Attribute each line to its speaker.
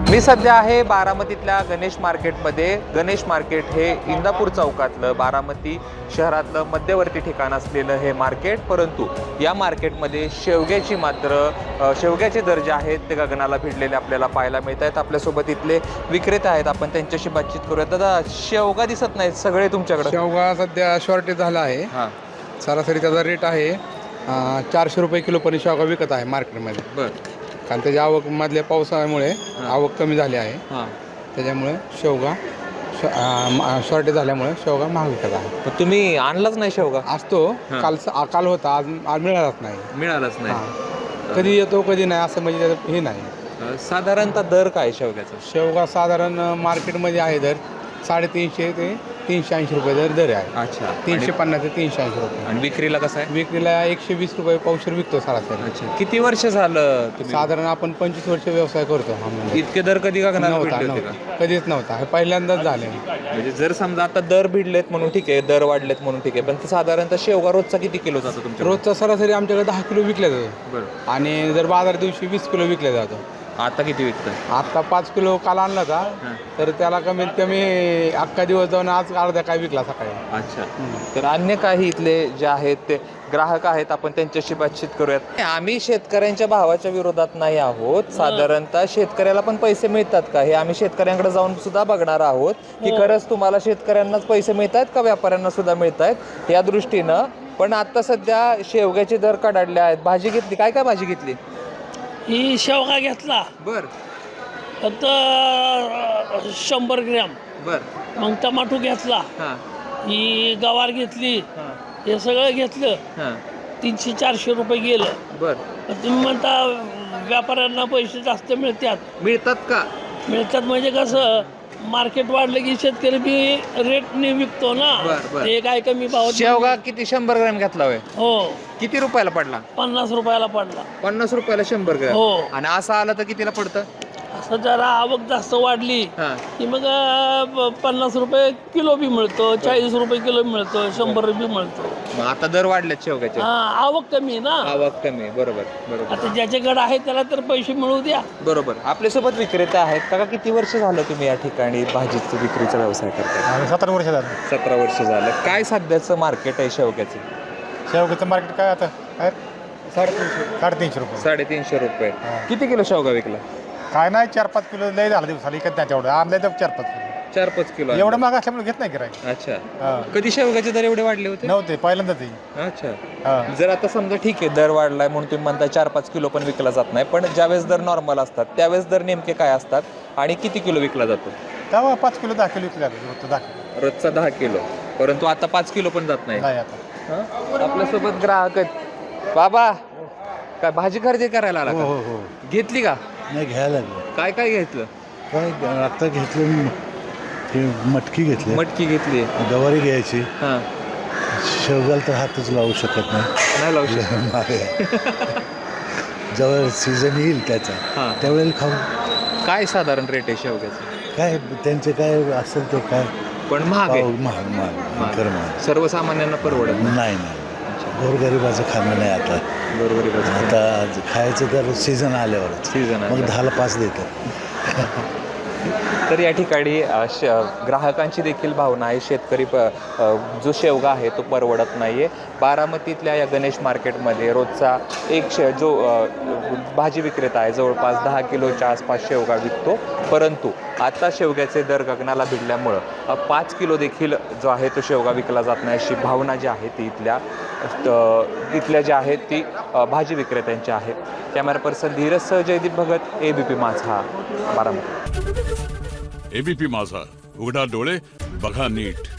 Speaker 1: मी सध्या आहे बारामतीतल्या गणेश मार्केटमध्ये. गणेश मार्केट हे इंदापूर चौकातलं बारामती शहरातलं मध्यवर्ती ठिकाण असलेलं हे मार्केट. परंतु या मार्केटमध्ये शेवग्याचे दर जे आहेत ते गगनाला भिडलेले आपल्याला पाहायला मिळत आहेत. आपल्यासोबत इथले विक्रेते आहेत, आपण त्यांच्याशी बातचीत करूया. दादा, शेवगा दिसत नाहीत सगळे तुमच्याकडे?
Speaker 2: शेवगा सध्या शॉर्टेज झाला आहे. सरासरी त्याचा रेट आहे 400 रुपये किलो पण शेवगा विकत आहे मार्केटमध्ये.
Speaker 1: बरं.
Speaker 2: कारण त्याच्या आवक मधल्या पावसामुळे आवक कमी झाली आहे. त्याच्यामुळे शेवगा शॉर्टेज झाल्यामुळे शेवगा महाग विकत आहे.
Speaker 1: पण तुम्ही आणलाच नाही शेवगा?
Speaker 2: असतो, काल होता, आज मिळालाच नाही. कधी येतो कधी नाही असं, म्हणजे त्याचं हे नाही.
Speaker 1: साधारणतः दर काय शेवग्याचा?
Speaker 2: शेवगा साधारण मार्केटमध्ये आहे दर 350 ते 380 रुपये दर आहे.
Speaker 1: अच्छा.
Speaker 2: 350 ते 380 रुपये.
Speaker 1: आणि विक्रीला कसं आहे?
Speaker 2: विक्रीला 120 रुपये पावशेर विकतो सरासरी.
Speaker 1: अच्छा. किती वर्ष झालं तुम्ही?
Speaker 2: साधारण आपण 25 वर्ष व्यवसाय करतो.
Speaker 1: इतके दर कधी गगनाला भिडले होते का?
Speaker 2: कधीच नव्हता, हे पहिल्यांदाच झाले.
Speaker 1: म्हणजे जर समजा आता दर भिडलेत म्हणून ठीक आहे, दर वाढलेत म्हणून ठीक आहे, पण साधारणतः शेवगा रोजचा किती किलो जातो तुमच्या?
Speaker 2: रोजचा सरासरी आमच्याकडे 10 किलो विकल्या जातो.
Speaker 1: बरं.
Speaker 2: आणि जर बाजार दिवशी 20 किलो विकल्या जातो.
Speaker 1: आता किती विकतं?
Speaker 2: आता 5 किलो काल आणला का, तर त्याला कमीत कमी अख्खा दिवस जाऊन आज अर्धा काय विकला सकाळी.
Speaker 1: अच्छा. तर अन्य काही इथले जे आहेत ते ग्राहक आहेत, आपण त्यांच्याशी बातचीत करूयात. आम्ही शेतकऱ्यांच्या भावाच्या विरोधात नाही आहोत. साधारणतः शेतकऱ्याला पण पैसे मिळतात का, हे आम्ही शेतकऱ्यांकडे जाऊन सुद्धा बघणार आहोत की खरंच तुम्हाला शेतकऱ्यांनाच पैसे मिळत आहेत का व्यापाऱ्यांना सुद्धा मिळत आहेत या दृष्टीनं. पण आता सध्या शेवग्याचे दर कडाडले आहेत. भाजी घेतली, काय काय भाजी घेतली?
Speaker 3: ही शेवगा घेतला.
Speaker 1: बर.
Speaker 3: फक्त 100 ग्रॅम.
Speaker 1: बर.
Speaker 3: मग टमाटो घेतला. ही गवार घेतली. हे सगळं घेतलं. 300-400 रुपये गेलं.
Speaker 1: बर.
Speaker 3: तुम्ही म्हणता व्यापाऱ्यांना पैसे जास्त
Speaker 1: मिळतात का?
Speaker 3: मिळतात म्हणजे कसं, मार्केट वाढलं की शेतकरी बी रेटने विकतो ना. ते काय कमी भाव.
Speaker 1: शेवगा किती 100 ग्रॅम घेतला होय?
Speaker 3: हो.
Speaker 1: किती रुपयाला पडला?
Speaker 3: 50 रुपयाला पडला.
Speaker 1: 50 रुपयाला 100 ग्रॅम?
Speaker 3: हो.
Speaker 1: आणि असं आलं तर कितीला पडतं?
Speaker 3: असं जरा आवक जास्त वाढली की मग 50 रुपये किलो बी मिळतो, 40 रुपये किलो मिळतो, 100 रुपये मिळतो.
Speaker 1: मग आता दर वाढलेत शेवग्याचे?
Speaker 3: आवक कमी आहे ना.
Speaker 1: आवक कमी. बरोबर बरोबर.
Speaker 3: आता ज्याच्याकडे आहे त्याला तर पैसे मिळू द्या.
Speaker 1: बरोबर. आपल्यासोबत विक्रेते आहेत. काका, किती वर्ष झालं तुम्ही या ठिकाणी भाजीचा विक्रीचा व्यवसाय करताय?
Speaker 2: 17 वर्ष झालं.
Speaker 1: 17 वर्ष झालं. काय सध्याचं मार्केट आहे शेवग्याचं?
Speaker 2: शेवग्याचं मार्केट काय आता काय 350 रुपये.
Speaker 1: 350 रुपये. किती किलो शेवगा विकला?
Speaker 2: काय नाही, 4-5 किलो लय झालं दिवसाला. इकत नाही तेवढं, आणलंय तर 4-5 किलो.
Speaker 1: 4-5 किलो.
Speaker 2: एवढं महाग असल्यामुळे घेत नाही गिराईक.
Speaker 1: अच्छा. कधी शेवग्याचे दर एवढे वाढले होते?
Speaker 2: नव्हते, पहिल्यांदाच.
Speaker 1: अच्छा. जर आता समजा ठीक आहे, दर वाढलाय म्हणून तुम्ही म्हणताय 4-5 किलो पण विकला जात नाही, पण ज्यावेळेस दर नॉर्मल असतात त्यावेळेस दर नेमके काय असतात आणि किती किलो विकला जातो?
Speaker 2: तेव्हा 5 किलो 10 किलो विकले जाते.
Speaker 1: रोजचा 10 किलो. परंतु आता 5 किलो पण जात नाही.
Speaker 2: आता
Speaker 1: आपल्यासोबत ग्राहक आहेत. बाबा, काय भाजी खरेदी करायला आला
Speaker 4: हो
Speaker 1: का?
Speaker 4: हो.
Speaker 1: घेतली का?
Speaker 4: नाही, घ्यायला लागलं.
Speaker 1: काय काय घेतलं?
Speaker 4: काय आता घेतलं, हे मटकी घेतली,
Speaker 1: मटकी घेतली,
Speaker 4: गवारी घ्यायची.
Speaker 1: हा.
Speaker 4: शेवगाला तर हातच लावू शकत
Speaker 1: नाही लावू शकत.
Speaker 4: नाही. जेव्हा सीझन येईल त्याचा त्यावेळेला खाऊ.
Speaker 1: काय साधारण रेट आहे शेवग्याचं?
Speaker 4: काय त्यांचे काय असेल ते काय,
Speaker 1: पण महाग आहे.
Speaker 4: महाग खरं महाग.
Speaker 1: सर्वसामान्यांना परवडत
Speaker 4: नाही. गोरगरिबाचं खाणं नाही आता. आता खायचं तर सीझन आल्यावरच. मग 10ला 5 देतात.
Speaker 1: तर या ठिकाणी ग्राहकांची देखील भावना आहे. शेतकरी जो शेवगा आहे तो परवडत नाही आहे. बारामतीतल्या या गणेश मार्केटमध्ये रोजचा जो भाजी विक्रेता आहे जवळपास 10 किलोच्या आसपास शेवगा विकतो. परंतु आता शेवग्याचे दर गगनाला भिडल्यामुळं 5 किलो देखील जो आहे तो शेवगा विकला जात नाही, अशी भावना जी आहे ती इथल्या ज्या आहेत ती भाजी विक्रेत्यांची आहे. कॅमेरा पर्सन धीरजसह जयदीप भगत, ABP माझा, बारामती.
Speaker 5: ABP माझा, उघडा डोळे बघा नीट.